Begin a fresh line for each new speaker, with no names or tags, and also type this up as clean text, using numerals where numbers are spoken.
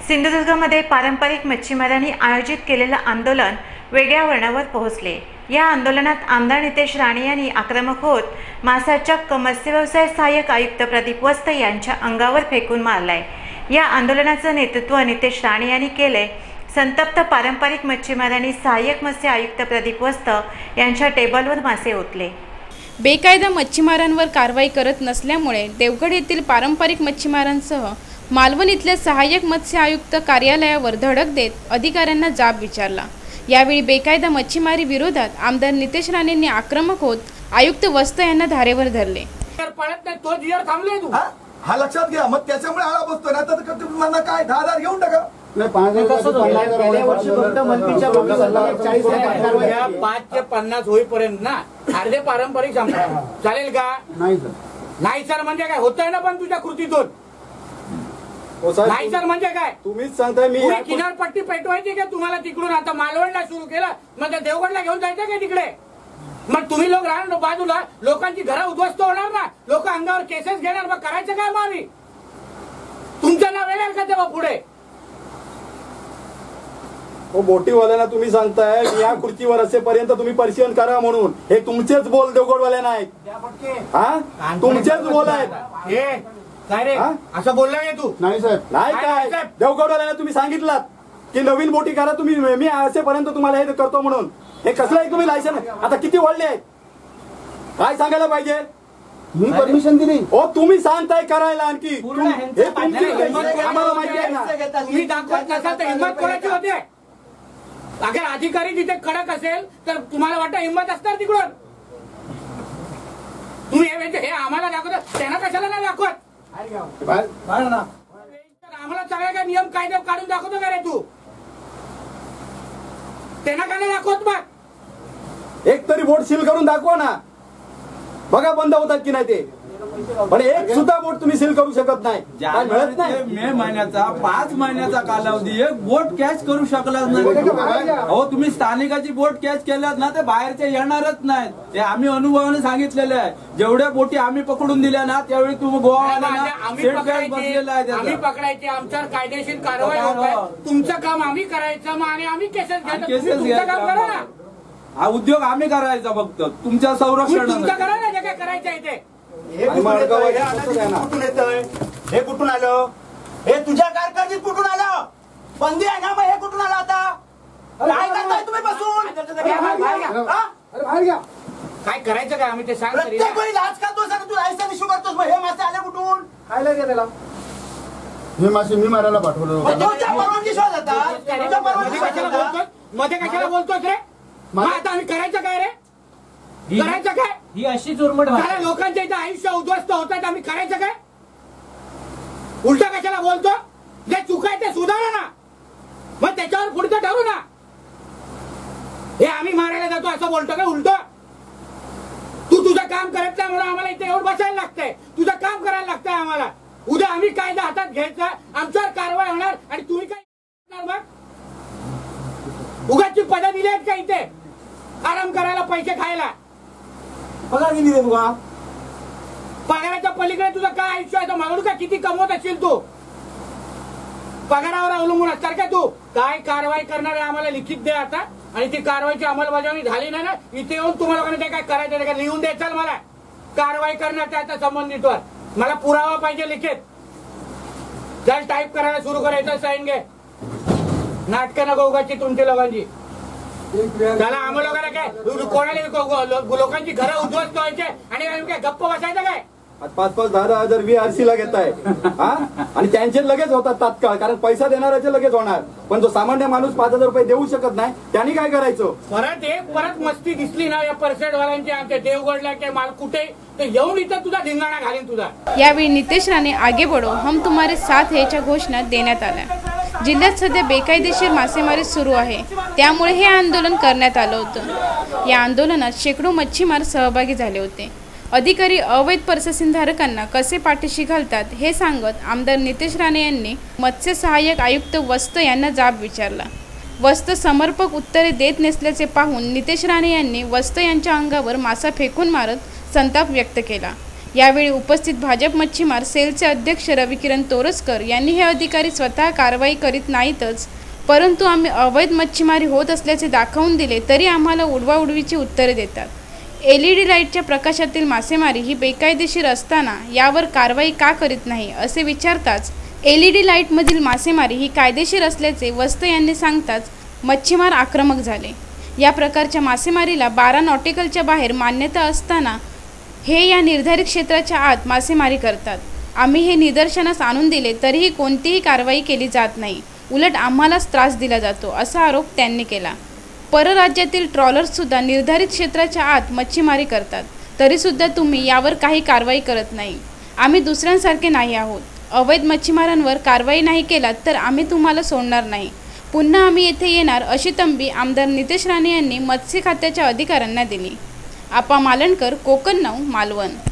सिंधुदुर्गमध्ये पारंपरिक मच्छीमारांनी आयोजित केलेलं आंदोलन वेगळ्या वळणावर पोहोचले। या आंदोलनात आमदार नितेश राणे यांनी आक्रमक होत मासाच्या मत्स्यव्यवसाय सहाय्यक आयुक्त प्रदीप वस्त यांच्या अंगावर फेकून मारलाय। या आंदोलनाचं नेतृत्व नितेश राणे यांनी केले। संतप्त पारंपरिक मच्छीमारांनी सहाय्यक मत्स्य आयुक्त प्रदीप वस्त यांच्या टेबलवर मासे ओतले।
बेकायदा मच्छीमारांवर कारवाई करत नसल्यामुळे देवगड येथील पारंपरिक मच्छीमारांसह मालवण इथल्या सहाय्यक मत्स्य आयुक्त कार्यालयावर धडक देत अधिकाऱ्यांना जाब विचारला। यावेळी बेकायदा मच्छीमारी विरोधात आमदार नितेश राणेंनी आक्रमक होत आयुक्त वस्त यांना धारेवर धरले।
हा लक्षात घ्या, मग त्याच्यामुळे आळा बसतो ना, तर तुम्हाला काय 10,000 घेऊन टाका।
5 ते 50 होईपर्यंत ना अर्धे पारंपरिक चालेल का? नाही सर म्हणजे काय होतंय ना, पण तुझ्या कृतीतून नाही सर म्हणजे काय
तुम्हीच सांगताय। मी
किनारपट्टी पेटवायची का तुम्हाला? तिकडून आता मालवणला सुरू केलं, मग देवगडला घेऊन जायचं का तिकडे? मग तुम्ही लोक राहणार बाजूला, लोकांची घरं उद्ध्वस्त होणार ना, लोक अंगावर केसेस घेणार, मग करायचं काय? मग आम्ही तुमचं नाव येणार का तेव्हा पुढे?
बोटीवाल्यांना तुम्ही सांगताय या खुर्चीवर असेपर्यंत तुम्ही परिशीलन करा म्हणून, हे तुमचेच बोल देवगडवाले नाहीत, हा तुमचेच बोल आहेत।
काय रे असं बोलला तू?
नाही साहेब, नाही काय देवगडवाल्यांना तुम्ही सांगितलात की नवीन बोटी करा तुम्ही, मी असेपर्यंत तुम्हाला हे करतो म्हणून। हे कसलं आहे तुम्ही लायसन? आता किती वाढले आहेत काय सांगायला पाहिजे?
मी परमिशन दिली
हो, तुम्ही सांगताय करायला आणखी आम्हाला माहिती आहे ना।
तुम्ही दाखवत नसाल तर हिंमत कोणाची होते? अगर अधिकारी तिथे कडक असेल तर तुम्हाला वाटतं हिंमत असणार तिकडून? तुम्ही हे आम्हाला दाखवत, त्यांना कशाला नाही दाखवत? आम्हाला सगळे काय नियम कायदे काढून दाखवतो का रे तू? त्यांना काय नाही दाखवत? मग
एक तरी बोट सील करून दाखवा ना, बघा बंद होतात की नाही ते। पण एक सुद्धा बोट तुम्ही सील करू शकत नाही, काय मिळत नाही।
मे महिन्याचा 5 महिन्याचा कालावधी एक बोट कॅच करू शकलाच नाही। हो, तुम्ही स्थानिकाची बोट कॅच केल्यात ना, ते बाहेरचे येणारच नाहीत, ते आम्ही अनुभवाने सांगितलेले आहे। जेवढ्या बोटी आम्ही पकडून दिल्या ना, त्यावेळी तुम्ही गोवाला
आम्ही पकडायचे, आमच्यावर कायदेशीर कारवाई होत आहे। तुमचं काम आम्ही करायचं आणि आम्ही केसेस घ्यायचं काम करा ना।
हा उद्योग आम्ही करायचा, फक्त तुमच्या संरक्षण
तुमचं करा ना, जे काय करायचं आहे ते।
हे कुठून आलं?
हे तुझ्या कारकिर्दीत कुठून आलं? बंदी आहे ना, मग हे कुठून आलं? आता काय करताय तुम्ही बसून? काय करायचं काय आम्ही ते सांग। प्रत्येक वेळी लाच खातोस आणि तू लायसन इश्यू करतोस, मग हे मासे आले कुठून?
खायला गेलेला हे मासे मी मारायला पाठवलं।
परवानगी शोध आता मध्ये कशाला बोलतोस रे? आता आम्ही करायचं काय रे? करायचं काय?
ही अशी चुरमट
लोकांच्या इथे आयुष्य उद्ध्वस्त होतात, आम्ही करायचं काय? उलट कशाला बोलतो? जे चुकाय ते सुधारा ना, मग त्याच्यावर पुढचं ठरू ना। हे आम्ही मारायला जातो असं बोलतो का उलट? तू तुझं काम करत नाही म्हणून आम्हाला इथे येऊन बसायला लागतंय, तुझं काम करायला लागतंय आम्हाला। उद्या आम्ही कायदा हातात घ्यायचा, आमच्यावर कारवाई होणार आणि तुम्ही काय करणार? मग उगाचची पदं दिली आहेत का इथे आराम करायला, पैसे खायला?
पगार किती दे तुला?
पगाराच्या पलीकडे तुझं काय आयुष्य आहे? मागून का किती कमवत असेल तू? पगारावर अवलंबून असणार का तू? काय कारवाई करणार आहे आम्हाला लिखित दे आता, आणि ती कारवाईची अंमलबजावणी झाली नाही ना, इथे येऊन तुम्हाला काय करायचं का लिहून द्यायचं मला कारवाई करणार त्याच्या संबंधितवर? मला पुरावा पाहिजे लिखित। जर टाईप करायला सुरू करायचं साईन घे, नाटकं नको उगाची तुमच्या लोकांची। त्याला आम्हा लोकांना काय कोणाला लोकांची घरं उद्ध्वस्त व्हायचे आणि काय गप्प बसायचं काय?
5-5, 10-10 VRC ला घेताय, हा? आणि त्यांचे लगेच होतात तात्काळ, कारण पैसा देणाऱ्याचे लगेच होणार, पण जो सामान्य माणूस 5,000 रुपये देऊ शकत नाही, त्यांनी काय करायचं?
परत मस्ती दिसली ना या परसेटवाल्यांची आमच्या देवगडला काय माल कुठे, तर येऊन इथं तुझा धिंगाणा घालीन तुझा।
यावेळी नितेश राणे आगे बढ़ो हम तुम्हारे साथ हेच्या घोषणा देण्यात आल्या। जिल्ह्यात सध्या बेकायदेशीर मासेमारी सुरू आहे, त्यामुळे हे आंदोलन करण्यात आलं होतं। या आंदोलनात शेकडो मच्छीमार सहभागी झाले होते। अधिकारी अवैध परससीधारकांना कसे पाठीशी घालतात हे सांगत आमदार नितेश राणे यांनी मत्स्य सहाय्यक आयुक्त वस्त यांना जाब विचारला। वस्त समर्पक उत्तरे देत नसल्याचे पाहून नितेश राणे यांनी वस्त यांच्या अंगावर मासा फेकून मारत संताप व्यक्त केला। यावेळी उपस्थित भाजप मच्छीमार सेलचे अध्यक्ष रविकिरण तोरसकर यांनी हे अधिकारी स्वतः कारवाई करीत नाहीतच, परंतु आम्ही अवैध मच्छीमारी होत असल्याचे दाखवून दिले तरी आम्हाला उडवाउडवीची उत्तरे देतात. LED लाईटच्या प्रकाशातील मासेमारी ही बेकायदेशीर असताना यावर कारवाई का करीत नाही असे विचारताच LED लाईटमधील मासेमारी ही कायदेशीर असल्याचे वस्त यांनी सांगताच मच्छीमार आक्रमक झाले. या प्रकारच्या मासेमारीला 12 नॉटिकलच्या बाहेर मान्यता असताना हे या निर्धारित क्षेत्राच्या आत मासेमारी करतात. आम्ही हे निदर्शनास आणून दिले तरीही कोणतीही कारवाई केली जात नाही, उलट आम्हालाच त्रास दिला जातो असा आरोप त्यांनी केला. परराज्यातील ट्रॉलर्ससुद्धा निर्धारित क्षेत्राच्या आत मच्छीमारी करतात, तरीसुद्धा तुम्ही यावर काही कारवाई करत नाही. आम्ही दुसऱ्यांसारखे नाही आहोत. अवैध मच्छीमारांवर कारवाई नाही केलात तर आम्ही तुम्हाला सोडणार नाही. पुन्हा आम्ही येथे येणार अशी तंबी आमदार नितेश राणे यांनी मत्स्य खात्याच्या अधिकाऱ्यांना दिली. आपा मालणकर, कोकण 9, मालवण.